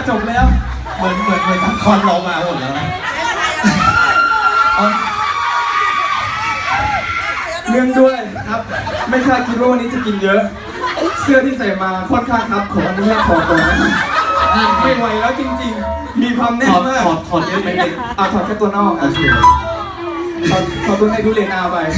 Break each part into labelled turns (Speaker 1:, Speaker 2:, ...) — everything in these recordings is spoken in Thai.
Speaker 1: จบแล้วเหมือนทั้งคอนเรามาหมดแล้วนะเรื่องด้วยครับไม่คาดคิดว่าวันนี้จะกินเยอะเสื้อที่ใส่มาค่อนข้างครับขออนุญาตถอดก่อนนะไม่ไหวแล้วจริงๆมีความแน่นมากถอดเยอะไหมถอดแค่ตัวนอกถอดตัวในดูเลนาไป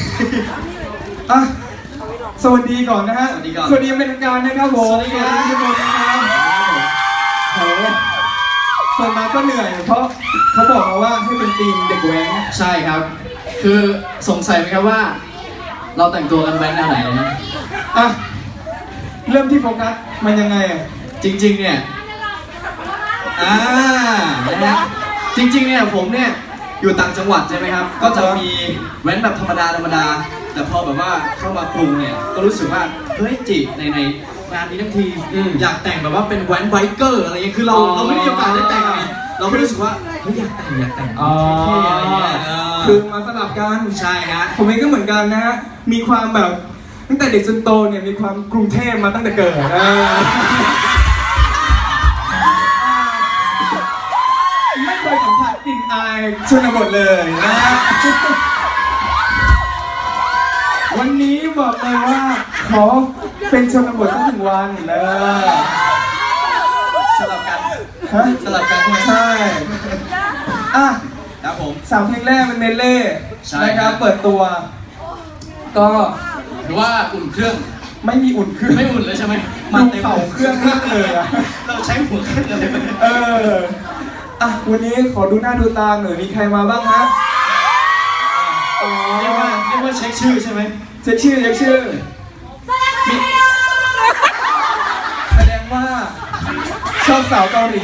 Speaker 1: สวัสดีก่อนนะฮะสวัสดีเป็นทางการนะครับผมสวัสดีทุกคนนะครับโหเปิดมาก็เหนื่อยเพราะเขาบอกมาว่าให้เป็นทีมเด็กแว้น
Speaker 2: ใช่ครับคือสงสัยไหมครับว่าเราแต่งตัวกันแว้นแนวไหนนะ
Speaker 1: เริ่มที่โฟกัสมันยังไง
Speaker 2: จริงๆเนี่ยจริงๆเนี่ยผมเนี่ยอยู่ต่างจังหวัดใช่ไหมครับก็จะมีแว้นแบบธรรมดาแต่พอแบบว่าเข้ามากรุงเนี่ยก็รู้สึกว่าเฮ้ยจิในงานนี้ทั้งทีอยากแต่งแบบว่าเป็นแว้นไบเกอร์อะไรเงี้ยคือเราไม่มีโอกาสได้แต่งเราไม่รู้สึกว่าเฮ้ยอยากแต่งเท่ๆอะไรเงี้ย
Speaker 1: คือมาสลับกัน
Speaker 2: ใช่ฮะ
Speaker 1: ผมเองก็เหมือนกันนะฮะมีความแบบตั้งแต่เด็กจนโตเนี่ยมีความกรุงเทพมาตั้งแต่เกิดไม่เคยสัมผัสกลิ่นอายชนบทเลยนะวันนี้บอกเลยว่าขอเป็นชนบทสัก1 วัน
Speaker 2: สลับกัน
Speaker 1: ใช่
Speaker 2: ครับผม
Speaker 1: 3 เพลงแรกเป็นเมดเล่นะครับเปิดตัวก็
Speaker 2: หรือว่าอุ่นเครื่อง
Speaker 1: ไม่มีอุ่นเครื่อง
Speaker 2: ไม่อุ่นเลยใช่ไหม
Speaker 1: มันเข่าเครื่องมากเลย
Speaker 2: เราใช้หัวเครื่องอะไร
Speaker 1: วันนี้ขอดูหน้าดูตาหน่อยมีใครมาบ้างฮะ
Speaker 2: เรียกว่าเช็คชื่อใช่ไหม
Speaker 1: เช็คชื่อแสดงว่าชอบสาวเกาหลี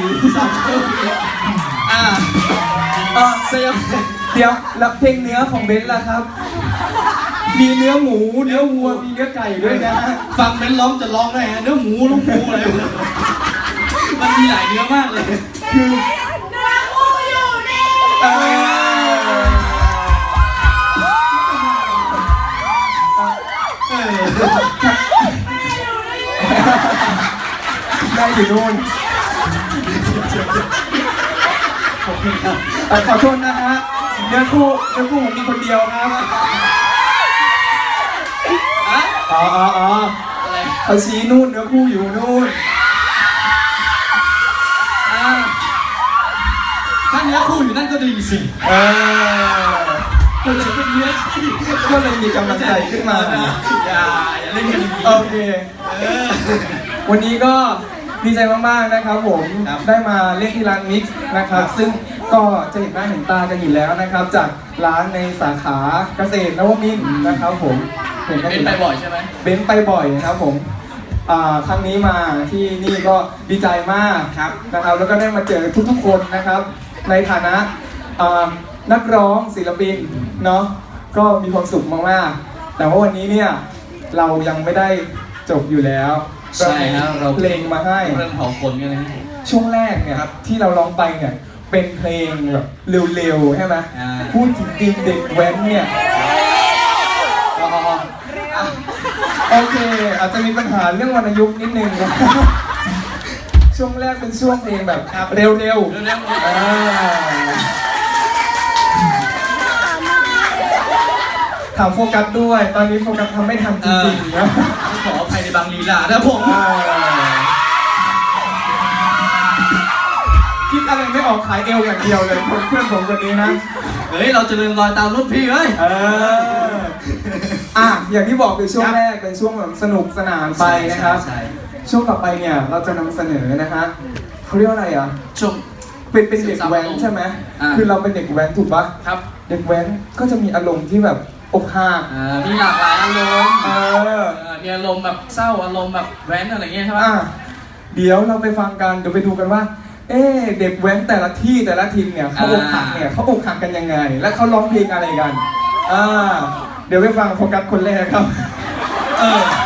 Speaker 1: เดี๋ยวแล้วเพลงเนื้อของเบนซ์ล่ะครับมีเนื้อหมูเนื้อวัวมีเนื้อไก่ด้วยนะ
Speaker 2: ฟังเบนซ์ร้องจะร้องได้ฮะเนื้อหมูลูกหมูอะไรมันมีหลายเนื้อมากเลย
Speaker 1: คือ
Speaker 3: เนื้อหมูอยู่นี่
Speaker 1: ได้อยู่นู่นขอโทษนะฮะเนื้อคู่ผมมีคนเดียวครับเขาชี้นู่นเนื้อคู่อยู่นู่น
Speaker 2: ถ้าเนื้อคู่อยู่นั่นก็ดีสิก็เลยเป็นเนื้อ
Speaker 1: ก็เลยมีกำลังใจขึ้นมา
Speaker 2: อย่าเล่นกัน
Speaker 1: โอเควันนี้ก็ดีใจมากๆนะครับผมได้มาเล่นที่ร้านมิกซ์นะครับซึ่งก็จะเห็นหน้าเห็นตากันอยู่แล้วนะครับจากร้านในสาขาเกษตรนวมินทร์นะครับผม
Speaker 2: เห็นไปบ่อยใช่ไหม
Speaker 1: เบนไปบ่อยครับผมครั้งนี้มาที่นี่ก็ดีใจมาก
Speaker 2: ครับ
Speaker 1: นะครับแล้วก็ได้มาเจอทุกๆคนนะครับในฐานะนักร้องศิลปินเนาะก็มีความสุขมากๆแต่ว่าวันนี้เนี่ยเรายังไม่ได้จบอยู่แล้ว
Speaker 2: ใช่ครับเรา
Speaker 1: เพลงมาให้
Speaker 2: เรื่องเผาคนกันนะ
Speaker 1: ช่วงแรกเนี่ยครับที่เราร้องไปเนี่ยเป็นเพลงแบบเร็วๆใช่ไหมพูดถึงทีมเด็กแว้นเนี่ยโอเคอาจจะมีปัญหาเรื่องวรรณยุกต์นิดนึงนะช่วงแรกเป็นช่วงเพลงแบบเร็วถามโฟกัสด้วยตอนนี้โฟกัสทำไม่ทันจริงๆนะ
Speaker 2: ขออภัยในบางลีลานะผม
Speaker 1: คิดอะไรไม่ออกขายเอวอย่างเดียวเลยเพื่อนผมคนนี้นะ
Speaker 2: เฮ้ยเราจะเดินรอยตามรุ่นพี่เฮ้ย
Speaker 1: อย่างที่บอกคือช่วงแรกเป็นช่วงแบบสนุกสนานไปนะครับช่วงต่อไปเนี่ยเราจะนำเสนอนะฮะเขาเรียกว่าอะไร
Speaker 2: ช่วง
Speaker 1: เป็นเด็กแว้นใช่ไหมคือเราเป็นเด็กแว้นถูกปะ
Speaker 2: ครับ
Speaker 1: เด็กแว้นก็จะมีอารมณ์ที่แบบอกหัก
Speaker 2: มีหลากหลายอารมณ์มีอารมณ์แบบเศร้าอารมณ์แบบแว้นอะไรเงี้ยใช่ไหม
Speaker 1: เดี๋ยวเราไปฟังกันเดี๋ยวไปดูกันว่าเด็กแว้นแต่ละที่แต่ละทีมเนี่ยเขาอกหักเนี่ยเขาอกหักกันยังไงและเขาร้องเพลงอะไรกันเดี๋ยวไปฟังโฟกัสคนแรกครับ